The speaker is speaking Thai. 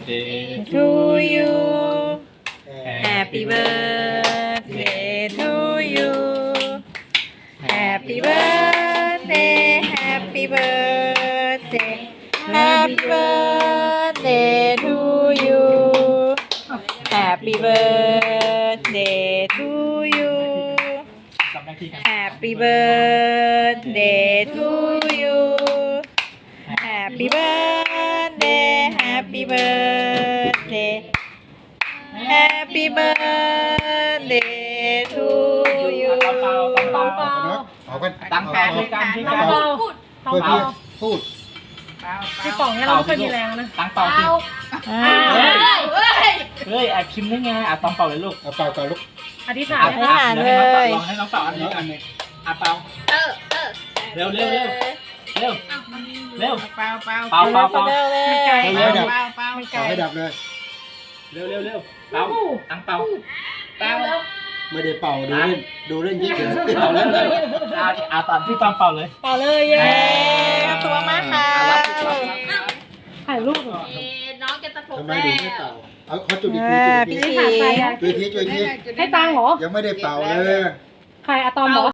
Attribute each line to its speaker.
Speaker 1: birthday to you Happy birthday to you Happy birthday Happy birthday Happy birthday to you Happy birthday to you Happy birthday to you Happy birthday Happy birthday Happy birthday to you
Speaker 2: เอากัน
Speaker 1: ตั้งแปะด้วยกันที่กัน
Speaker 3: พูด
Speaker 2: เพื่อพี่พูด
Speaker 3: พี่ป๋องเนี่ยเราไม่เคยมีแรงนะ
Speaker 1: ตั้งเป่าสิ เฮ้ยไอพิมพ์ได้ไงต้องเป่าเลยลูก
Speaker 2: เอาเป่าก่อนลูก
Speaker 3: อธิษฐาน
Speaker 1: ลองให้น้องเป่าอันนี้อันนึงเป่าเร็วเร็วเร็วเร็วเร็วเป่าเป่าเป่าเป่าเป่า
Speaker 3: ไม่ไกล
Speaker 2: เอาให้ดับ
Speaker 3: ไม่ไกล
Speaker 2: เอาให้ดับเลย
Speaker 1: เร็วเร็วเร็วเป่าตั้งเป่าเป่า
Speaker 2: ไม่ได้เป่าดูเล่นเฉย
Speaker 1: เป่าเร็วเร็วเอาตอนที่ต้องเป่าเลย
Speaker 3: ต่อเลยเย้
Speaker 1: ขอบคุณมากค่ะ
Speaker 3: ถ่ายรูปเหรอ
Speaker 4: น้องจะตะปบ
Speaker 2: ทำไม
Speaker 4: แล้
Speaker 2: ถึงไม่
Speaker 4: ว
Speaker 2: เป่าเอาเขาจุดอีก
Speaker 1: พี่
Speaker 2: ที
Speaker 1: สี
Speaker 2: จุดอีกที
Speaker 3: ให้ตังค์เหรอ
Speaker 2: ยังไม่ได้เป่าเลย
Speaker 3: ใครอะตอมบอก